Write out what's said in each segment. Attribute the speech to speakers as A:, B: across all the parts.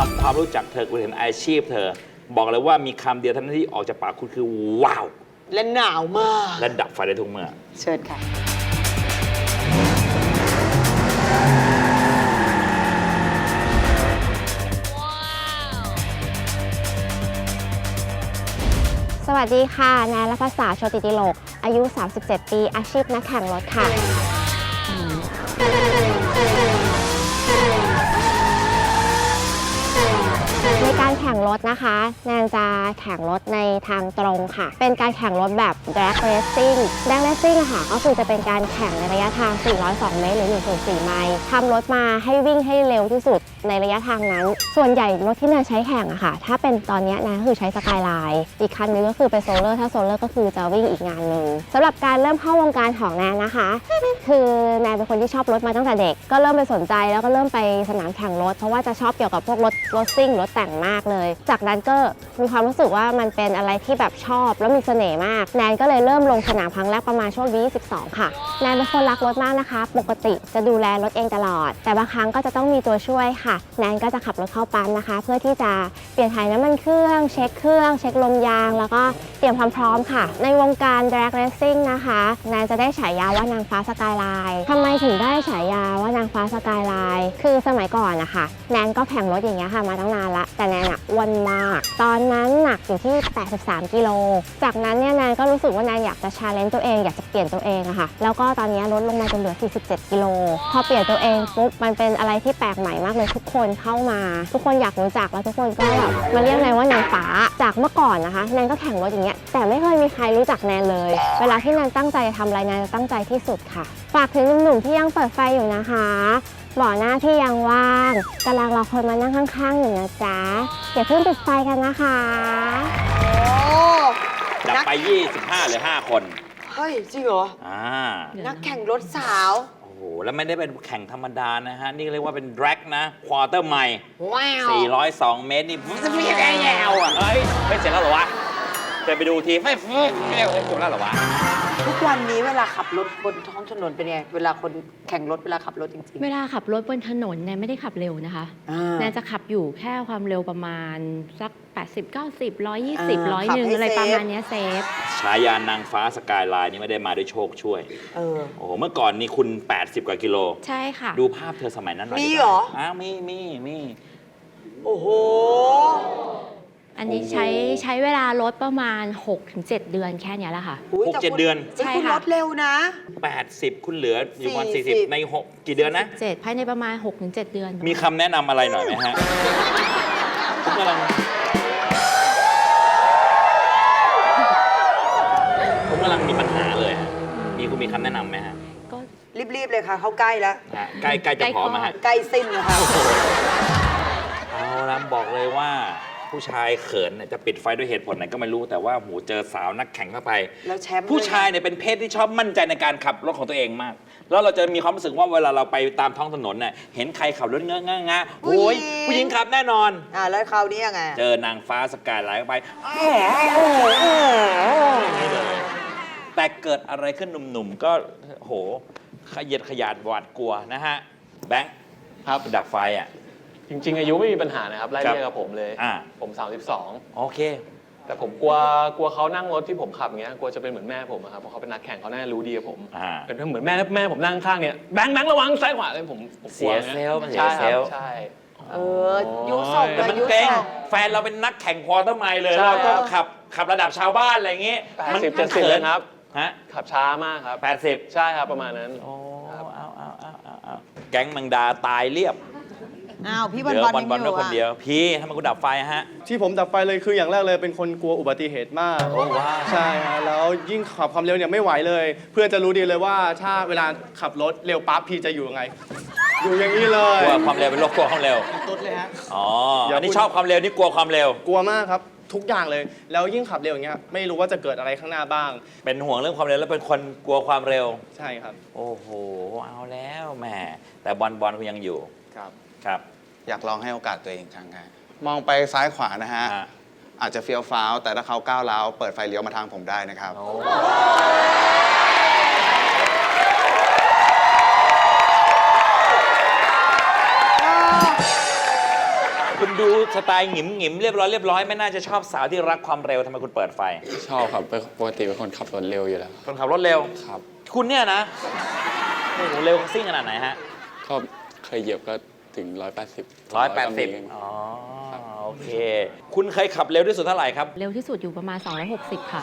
A: ำความรู้จักเธอคุณเห็นอาชีพเธอ บอกเลยว่ามีคำเดียวเท่านั้นที่ออกจากปากคุณคือว้าว
B: และหนาวมาก
A: และดับไฟได้ทุกเมื่อ
B: เชิญค่ะ
C: สวัสดีค่ะนายรัฐศาสตร์โชติติโลกอายุ 37 ปีอาชีพนักแข่งรถค่ะในการแข่งรถนะคะแนนจะแข่งรถในทางตรงค่ะเป็นการแข่งรถแบบ drag racing drag racing ค่ะก็คือจะเป็นการแข่งในระยะทาง 402 เมตรหรือ 1.4 ไมล์ทำรถมาให้วิ่งให้เร็วที่สุดในระยะทางนั้นส่วนใหญ่รถที่แนนใช้แข่งอะค่ะถ้าเป็นตอนนี้นะก็คือใช้สกายไลน์อีกคันนึงก็คือเป็นโซลเลอร์ถ้าโซลเลอร์ก็คือจะวิ่งอีกงานหนึ่งสำหรับการเริ่มเข้าวงการของแนนนะคะคือแนนเป็นคนที่ชอบรถมาตั้งแต่เด็กก็เริ่มไปสนใจแล้วก็เริ่มไปสนามแข่งรถเพราะว่าจะชอบเกี่ยวกับพวกรถซิ่งรถแต่งมากเลยจากนั้นก็มีความรู้สึกว่ามันเป็นอะไรที่แบบชอบแล้วมีเสน่ห์มากแนนก็เลยเริ่มลงสนามครั้งแรกประมาณช่วงอายุ22ค่ะแนนเป็นคนรักรถมากนะคะปกติจะดูแลรถเองตลอดแต่บางครั้งก็จะต้องมีตัวช่วยค่ะแนนก็จะขับรถเข้าปั๊มนะคะเพื่อที่จะเปลี่ยนถ่ายน้ำมันเครื่องเช็คลมยางแล้วก็เตรียมความพร้อมค่ะในวงการ drag racing นะคะแนนจะได้ฉายาว่านางฟ้าสกายไลน์ทำไมถึงได้ฉายาว่านางฟ้าสกายไลน์คือสมัยก่อนนะคะแนนก็แข่งรถอย่างเงี้ยค่ะมาตั้งนานละแต่แนนอ้วนมากตอนนั้นหนักอยู่ที่83 กิโลจากนั้นเนี่ยแนนก็รู้สึกว่าแนนอยากจะ challenge ตัวเองอยากจะเปลี่ยนตัวเองอะค่ะแล้วก็ตอนนี้ลดลงมาจนเหลือ47 กิโลพอเปลี่ยนตัวเองปุ๊บมันเป็นอะไรที่แปลกใหม่มากเลยทุกคนเข้ามาทุกคนอยากรู้จักแล้วทุกคนก็แบบมาเรียกแนนว่านางฟ้าจากเมื่อก่อนนะคะแนนก็แข่งรถอย่างเงี้ยแต่ไม่เคยมีใครรู้จักแนนเลยเวลาที่แนนตั้งใจจะทำอะไรแนนจะตั้งใจที่สุดค่ะฝากถึงหนุ่มๆที่ยังเปิดไฟอยู่นะคะบ่อหน้าที่ยังว่างกำลังรอคนมานั่งข้างๆอยู่นะจ๊ะอย่าเพิ่งปิดไฟกันนะคะ
A: ดับไป25หรือ5คน
B: เฮ้ยจริงเหรอนักแข่งรถสาว
A: โอ้โหแล้วไม่ได้เป็นแข่งธรรมดานะฮะนี่เรียกว่าเป็น drag นะควอเตอร์ไมล์402 เมตรนี่มันจะมีแค่แยวอ่ะเฮ้ยไม่เสร็จแล้วเหรอวะจะไปดูทีไม่จบแล้วเหรอวะ
B: ทุกวันนี้เวลาขับรถบนท้องถนนเป็นไงเวลาคนแข่งรถเวลาขับรถจริงๆ
C: เวลาขับรถบนถนนแนนไม่ได้ขับเร็วนะคะแนนจะขับอยู่แค่ความเร็วประมาณสัก80 90 120 101อะไรประมาณนี้เซฟ
A: ฉายานางฟ้าสกายไลน์นี่ไม่ได้มาด้วยโชคช่วยโอ้โหเมื่อก่อนนี่คุณ80 กว่ากิโล
C: ใช่ค่ะ
A: ดูภาพเธอสมัยนั้นหน่อย
B: มีเหรอ
A: มี
B: โอ้โห
C: อันนี้ใช้เวลารถประมาณ 6-7 เดือนแค่นี้แหละค่ะ
A: 6-7 เดือน
B: ใช่ค่ะรถเร็วนะ
A: 80คุณเหลืออยู่วัน40ใน6กี่เดือนนะ
C: 7ภายในประมาณ 6-7 เดือน
A: มีคำแนะนำอะไรหน่อยไหมฮะผมกำลังมีปัญหาเลยคุณมีคำแนะนำไหมฮะ
B: ก็รีบๆเลยค่ะเขาใกล้แล้ว
A: ใกล้จะพร้อมไหมฮะ
B: ใกล้สิ้นแล้วค่ะ
A: เอาละบอกเลยว่าผู้ชายเขินจะปิดไฟด้วยเหตุผลไหนก็ไม่รู้แต่ว่าหูเจอสาวนักแข่งเข้าไป
B: แล้วแชมป์
A: ผู้ชายเนี่ยเป็นเพศที่ชอบมั่นใจในการขับรถของตัวเองมากแล้วเราจะมีความรู้สึกว่าเวลาเราไปตามท้องถนนเนี่ยเห็นใครขับรถเงอะโอ้ยผู้หญิงขับแน่นอน
B: แล้วคราวนี้ยังไง
A: เจอนางฟ้าสกายไลน์เข้าไปนี่เลยแต่เกิดอะไรขึ้นหนุ่มๆก็โหขยันขยาดหวาดกลัวนะฮะแบงค์
D: ครับ
A: ดับไฟอ่ะ
D: จริงๆอายุไม่มีปัญหานะครับไล่เรียกกับผมเลยผม32
A: โอเค
D: แต่ผมกลัวเขานั่งรถที่ผมขับเงี้ยกลัวจะเป็นเหมือนแม่ผมครับเพราะเขาเป็นนักแข่งเขาแน่รู้ดีกับผมเป็นเหมือนแม่ผมนั่งข้างเนี่ยแบงค์ระวังซ้ายขวาเลยผม
A: เสียเซลล์
D: ใช่ครับใช่
B: ยุส่ง
A: แต่มันเก่งแฟนเราเป็นนักแข่งควอเตอร์ไมล์เลยเราก็ขับระดับชาวบ้านอะไรเงี้ย
D: 80-70เลยครับ
A: ฮะ
D: ขับช้ามากครับ
A: 80
D: ใช่ครับประมาณนั้น
A: เอาแก๊งมังดาตายเรียบ
B: พี่บอล
A: ด้วยคนเดียวพี่ทำไมกูดับไฟฮะ
E: ที่ผมดับไฟเลยคืออย่างแรกเลยเป็นคนกลัวอุบัติเหตุมาก
A: โอ้ว้า
E: ใช่ฮะแล้วยิ่งขับความเร็วเนี่ยไม่ไหวเลย เพื่อนจะรู้ดีเลยว่าถ้าเวลาขับรถเร็วปั๊บพี่จะอยู่ยังไงอยู่อย่างนี้เลย
A: กลัวความเร็วเป็นโรคกลัวความเร็ว
E: ตุ๊ดเลยฮะ
A: อันนี้ชอบความเร็วนี่กลัวความเร็ว
E: กลัวมากครับทุกอย่างเลยแล้วยิ่งขับเร็วอย่างเงี้ยไม่รู้ว่าจะเกิดอะไรข้างหน้าบ้าง
A: เป็นห่วงเรื่องความเร็วแล้วเป็นคนกลัวความเร็ว
E: ใช่ครับ
A: โอ้โหเอาแล้วแหมแต่บอลคุณยังอยู่ครับ
F: อยากลองให้โอกาสตัวเองครั้งค่ะมองไปซ้ายขวานะฮะอาจจะเฟี้ยวฟ้าวแต่ถ้าเขาก้าวร้าวเปิดไฟเลี้ยวมาทางผมได้นะครับ
A: คุณดูดูสไตล์หงิมหงิมเรียบร้อยไม่น่าจะชอบสาวที่รักความเร็วทำไมคุณเปิดไฟ
G: ชอบครับปกติเป็นคนขับรถเร็วอยู่แล้ว
A: คนขับรถเร็ว
G: ครับ
A: คุณเนี่ยนะโอ้โหเร็วซิ่งขนาดไหนฮะ
G: ก็เคยเหยียบก็ถึง 180
A: 180 อ๋อ โอเค คุณเคยขับเร็วที่สุดเท่าไหร่ครับ
H: เร็วที่สุดอยู่ประมาณ 260 ค่ะ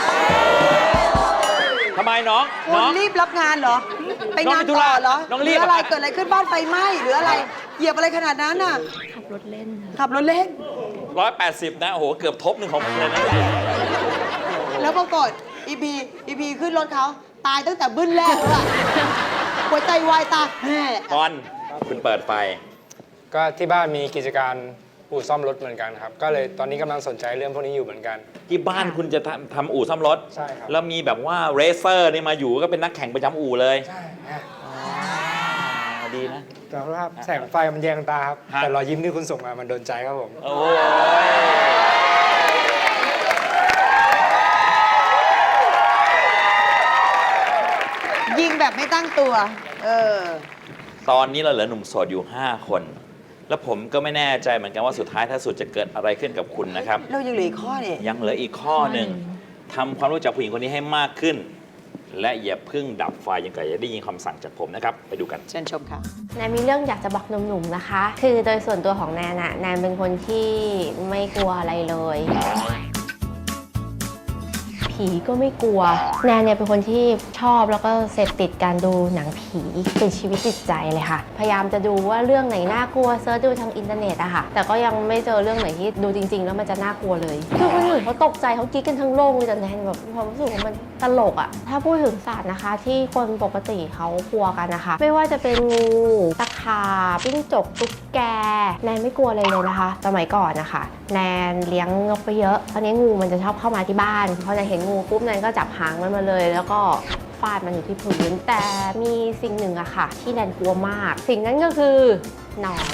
A: ทำไมน้อง
B: คุณรีบรับงานเหรอ ไปงานต่อเหรอ
A: น้องรีบ
B: หรืออะไร
A: อะ
B: เกิดอะไรขึ้นบ้านไฟไหม้หรืออะไร เหยียบอะไรขนาดนั้นน่ะ
H: ขับรถเล่นค่ะ
B: ขับรถเล่น
A: 180 นะ โอ้โห เกือบทบหนึ่งของผมเลยนะ
B: แล้วปรากฏอีพีขึ้นรถเขาตายตั้งแต่บึ้นแรกแล้วอะหัวใจวายตายแห่
A: บอลคุณเปิดไฟ
I: ก็ที่บ้านมีกิจการอู่ซ่อมรถเหมือนกันครับ ก็เลยตอนนี้กำลังสนใจเรื่องพวกนี้อยู่เหมือนกัน
A: ที่บ้านคุณจะทำอู่ซ่อมรถ
I: ใช่ครับ
A: แล้วมีแบบว่าเรเซอร์นี่มาอยู่ก็เป็นนักแข่งประจำอู่เลย
I: ใช่
A: ดีนะ
I: แต่ว่าแสงไฟมันแยงตาครับ
A: ฮะ
I: แต่รอยยิ้มที่คุณส่งมามันโดนใจครับผม
A: โอ้ย
B: ยิงแบบไม่ตั้งตัว เออ
A: ตอนนี้เราเหลือหนุ่มโสดอยู่ 5 คน แล้วผมก็ไม่แน่ใจเหมือนกันว่าสุดท้ายถ้าสุดจะเกิดอะไรขึ้นกับคุณนะครับ
B: เรายังเหลืออีกข้อเนี่ย
A: ยังเหลืออีกข้อหนึ่งทำความรู้จักผู้หญิงคนนี้ให้มากขึ้น และอย่าเพิ่งดับไฟยังไงจะได้ยินคำสั่งจากผมนะครับ ไปดูกัน
B: เชิญชมค่ะ
C: แนนมีเรื่องอยากจะบอกหนุ่มๆนะคะ คือโดยส่วนตัวของแนนอะแนนเป็นคนที่ไม่กลัวอะไรเลย ผีก็ไม่กลัว แนนเนี่ยเป็นคนที่ชอบแล้วก็เสพติดการดูหนังผีเป็นชีวิตจิตใจเลยค่ะ พยายามจะดูว่าเรื่องไหนน่ากลัวเซิร์ชดูทางอินเทอร์เน็ตอะค่ะ แต่ก็ยังไม่เจอเรื่องไหนที่ดูจริง ๆ แล้วมันจะน่ากลัวเลย คือคนอื่นเขาตกใจเขากรี๊ดกันทั้งโลกเลยแต่แนนแบบมีความรู้สึกว่ามันตลกอะถ้าพูดถึงสัตว์นะคะ ที่คนปกติเขากลัวกันนะคะ ไม่ว่าจะเป็นงูตะขาบจิ้งจกตุ๊กแกแนนไม่กลัวเลยนะคะ สมัยก่อนนะคะแนนเลี้ยงนกไปเยอะตอนนี้งูมันจะชอบเข้ามาที่บ้านพอแนนเห็นงูปุ๊บแนนก็จับหางมันมาเลย แล้วก็ฟาดมันอยู่ที่พื้นแต่มีสิ่งหนึ่งอะค่ะ ที่แนนกลัวมาก สิ่งนั้นก็คือหนอน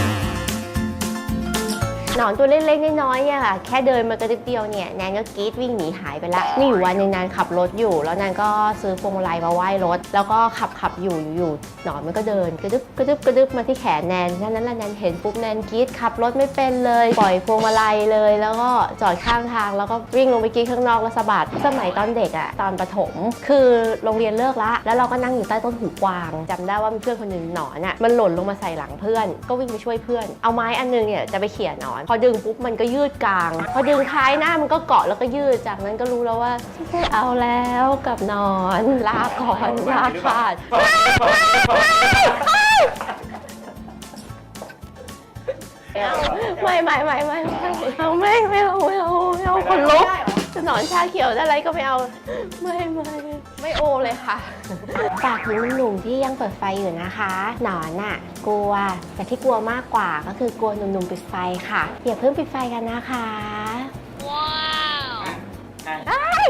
C: หนอนตัวเล็กๆน้อยๆเนี่ยค่ะแค่เดินมากระดึบเดียวเนี่ยแนนก็กรี๊ดวิ่งหนีหายไปละมีอยู่วันหนึงแนนขับรถอยู่แล้วแนนก็ซื้อพวงมาลัยมาไหว้รถแล้วก็ขับอยู่หนอนมันก็เดินกระดึบมาที่แขนแนนนั้นแหละแนนเห็นปุ๊บแนนกรี๊ดขับรถไม่เป็นเลยปล่อยพวงมาลัยเลยแล้วก็จอดข้างทางแล้วก็วิ่งลงไปกรี๊ดข้างนอกแล้วสะบัดสมัยตอนเด็กอะตอนประถมคือโรงเรียนเลิกละแล้วเราก็นั่งอยู่ใต้ต้นหูกวางจำได้ว่ามีเพื่อนคนหนึ่งหนอนอะมันหล่นลงมาใส่หลังเพื่อนก็วิ่งไปช่วยเพื่อนเอาไม้อันนึงเนี่ยจะไปเขี่ยหนอนพอดึงปุ๊บมันก็ยืดกลางพอดึงท้ายหน้ามันก็เกาะแล้วก็ยืดจากนั้นก็รู้แล้วว่าไม่เอาแล้วกับหนอนลาก่อนลาขาดไม่เอาคนลุกจะหนอนชาเขียวอะไรก็ไม่เอาไม่โอเลยค่ะฝากถึงหนุ่มๆที่ยังเปิดไฟอยู่นะคะหนอนน่ะกลัวแต่ที่กลัวมากกว่าก็คือกลัวหนุ่มๆปิดไฟค่ะอย่าเพิ่งปิดไฟกันนะคะว้าว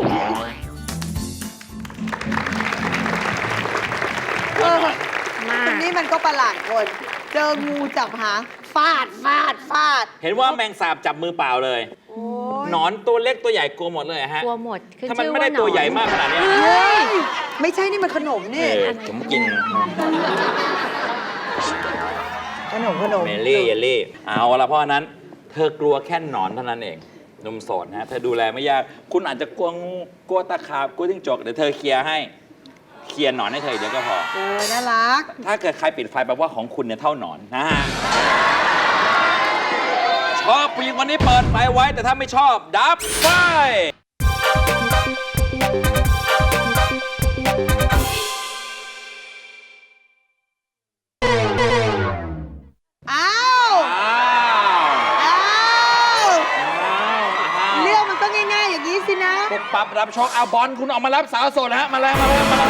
B: คนนี้มันก็ประหลาดคน เจองูจับหางฟาด
A: เห็นว่าแมงสาบจับมือเปล่าเลย
B: โอ้ย
A: หนอนตัวเล็กตัวใหญ่กลัวหมดเลยฮะ
H: กลัวหมดขึ้น
A: ถ้ามัน
H: ชื่อ
A: ไม่ได้
H: ว่าหน
A: ตัว
H: อน
A: ใหญ่มากขนาดเนี้ย
B: เฮ้ยไม่ใช่นี่มันขนมนี่
A: ผมกิน
B: ขนม
A: เมลี่เยลลี่เอาละเพราะฉะนั้นเธอกลัวแค่หนอนเท่านั้นเองหนุ่มโสดนะเธอดูแลไม่ยากคุณอาจจะกลัวงูกลัวตะขาบกลัวจิ้งจกเดี๋ยวเธอเคลียร์ให้เคลียร์หนอนให้เธอเดี๋ยวก็พอ
B: น่ารัก
A: ถ้าเกิดใครปิดไฟแปลว่าของคุณเนี่ยเท่าหนอนนะฮะชอบผู้หญิงคนนี้เปิดไฟไว้แต่ถ้าไม่ชอบดับไฟ
B: อ้าวเรื่องมันก็ง่ายๆอย่างนี้สินะ
A: ปุ๊บปั๊บรับโชคเอาบอลคุณออกมารับสาวโสดนะฮะมาแล้ว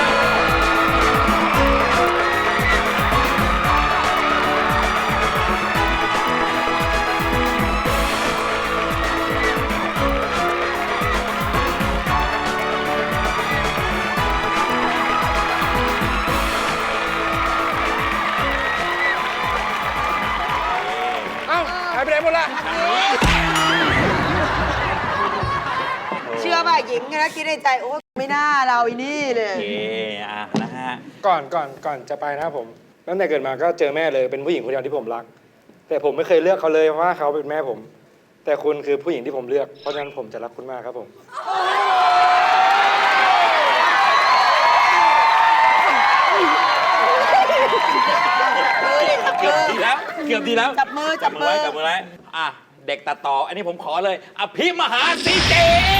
I: เอ้าหายไปไหนหมดละ
B: เชื่อป่ะหญิงนะคิดในใจโอ้ไม่น่าเราอีนี่เลย
A: โอเคนะฮะ
I: ก่อนจะไปนะครับผมตั้งแต่เกิดมาก็เจอแม่เลยเป็นผู้หญิงคนเดียวที่ผมรักแต่ผมไม่เคยเลือกเขาเลยเพราะว่าเขาเป็นแม่ผม แต่คุณคือผู้หญิงที่ผมเลือก เพราะฉะนั้นผมจะรักคุณมากครับผม
A: เกือบดีแล้ว
B: จับมือ
A: จับมือไว้อ่ะ เด็กตัดต่อ อันนี้ผมขอเลย อภิมหาซีเจ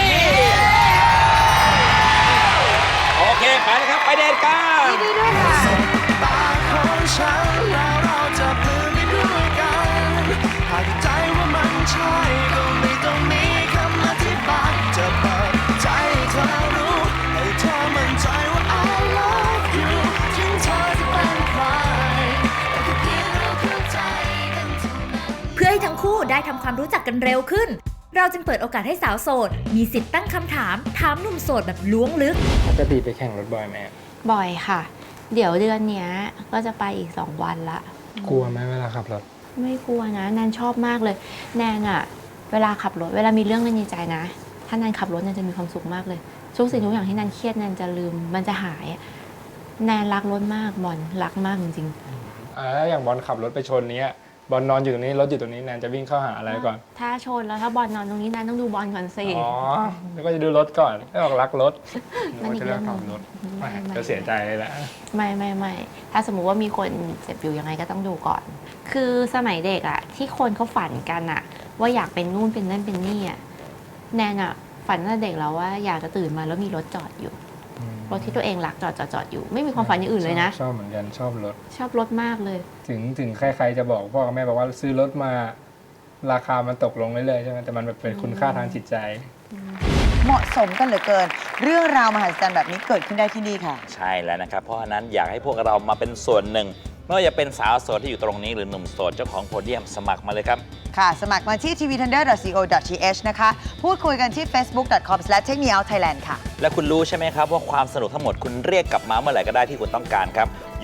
A: โอเค ไปเลยครับ ไปเดทกัน
B: ดีด้วยค่ะ
J: ตาของฉันแล้วเราจะปลื้มไปด้วยกันหากใจว่ามันใช่ก็ไม่ต้องมีคำอธิบายจะเปิดใจให้เธอรู้ให้เธอมั่นใจว่า I love you ถึงเธอจะเป็นใครแต่แค่เพียงเราเข้าใจกันเท่านั้น
K: เพื่อให้ทั้งคู่ได้ทำความรู้จักกันเร็วขึ้น เราจึงเปิดโอกาสให้สาวโสด มีสิทธิ์ตั้งคำถามหนุ่มโสดแบบล้วงลึก
I: ปกติไปแข่งรถบ่อยไหม
H: บ่อยค่ะ เดี๋ยวเดือนเนี้ยก็จะไปอีก 2 วันละ
I: กลัวไหมเวลาขับรถ
H: ไม่กลัวนะแนนชอบมากเลย แนนอะเวลาขับรถ เวลามีเรื่องในใจนะ ถ้าแนนขับรถแนนจะมีความสุขมากเลยทุกสิ่งทุกอย่างที่แนนเครียดแนนจะลืม มันจะหายอะแนนรักรถมากบอลรักมากจริงๆ
I: แล้วอย่างบอลขับรถไปชนเนี้ยบอลนอนอยู่ตรงนี้รถอยู่ตรงนี้แนนจะวิ่งเข้าหาอะไรก่อน
H: ถ้าชนแล้วถ้าบอลนอนตรงนี้แนนต้องดูบอลก่อนสิ
I: อ๋อแล้วก็จะดูรถก่อนไม่บอกรักรถ
H: นั่นอีกเรื่องหนึ่ง
I: ขับรถจะเสียใจเลยแหละ
H: ไม่ถ้าสมมุติว่ามีคนเจ็บอยู่ยังไงก็ต้องดูก่อน คือสมัยเด็กอะที่คนเขาฝันกันอะว่าอยากเป็นนู่นเป็นนั่นเป็นนี่อะแนนอะฝันตั้งแต่เด็กแล้วว่าอยากจะตื่นมาแล้วมีรถจอดอยู่รถที่ตัวเองรักจอดอยู่ ไม่มีความฝันอย่างอื่นเลยนะ
I: ชอบเหมือนกันชอบรถ
H: ชอบรถมากเลย
I: ถึงใครๆจะบอกพ่อกับแม่บอกว่าซื้อรถมาราคามันตกลงเรื่อยๆใช่ไหมแต่มันแบบเป็นคุณค่าทางจิตใจ
B: เหมาะสมกันเหลือเกิน เรื่องราวมหัศจรรย์แบบนี้เกิดขึ้นได้ที่นี่ค่ะ
A: ใช่แล้วนะครับ เพราะฉะนั้นอยากให้พวกเรามาเป็นส่วนหนึ่งไม่ว่าจะเป็นสาวโสดที่อยู่ตรงนี้หรือหนุ่มโสดเจ้าของโพเดียมสมัครมาเลยครับ
B: ค่ะ สมัครมาที่ tvthunder.co.th นะคะ พูดคุยกันที่ facebook.com/takemeoutthailand ค่ะ
A: และคุณรู้ใช่ไหมครับว่าความสนุกทั้งหมดคุณเรียกกลับมาเมื่อไหร่ก็ได้ที่คุณต้องการครับ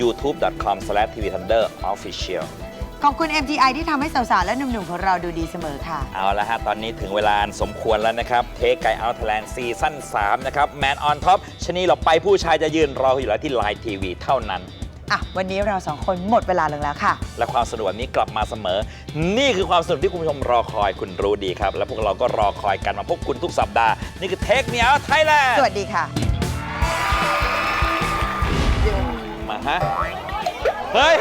A: youtube.com/tvthunderofficial
B: ขอบคุณ MTI ที่ทำให้สาวๆ และหนุ่มๆ ของเราดูดีเสมอค่ะ
A: เอาละฮะ ตอนนี้ถึงเวลาอันสมควรแล้วนะครับ เทคไกเอาท์ไทยแลนด์ซีซั่น3 นะครับ Man on Top ชะนีหลบไปผู้ชายจะยืนรออยู่แล้วที่ Line TV เท่านั้น
B: อ่ะ วันนี้เราสองคนหมดเวลาลงแล้วค่ะ
A: และความสนุกแบบนี้กลับมาเสมอ นี่คือความสนุกที่คุณผู้ชมรอคอยคุณรู้ดีครับ และพวกเราก็รอคอยกันมาพบคุณทุกสัปดาห์ นี่คือเทคเมียไทยแลนด์
B: สวัสดีค่ะ
A: มาฮะ เฮ้ย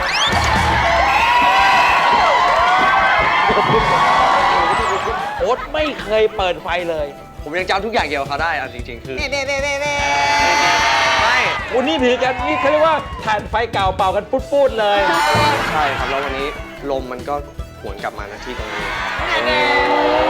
A: โอ๊ตไม่เคยเปิดไฟเลย
D: ผมยังจำทุกอย่างเกี่ยวกับเขาได้เอาจริงๆ คือ
A: ไม่ วันนี้ถือกันนี่เขาเรียกว่าถ่านไฟเก่าเป่ากันปุดๆเลย
D: ใช่ครับ แล้ววันนี้ลมมันก็หวนกลับมาณที่ตรงนี้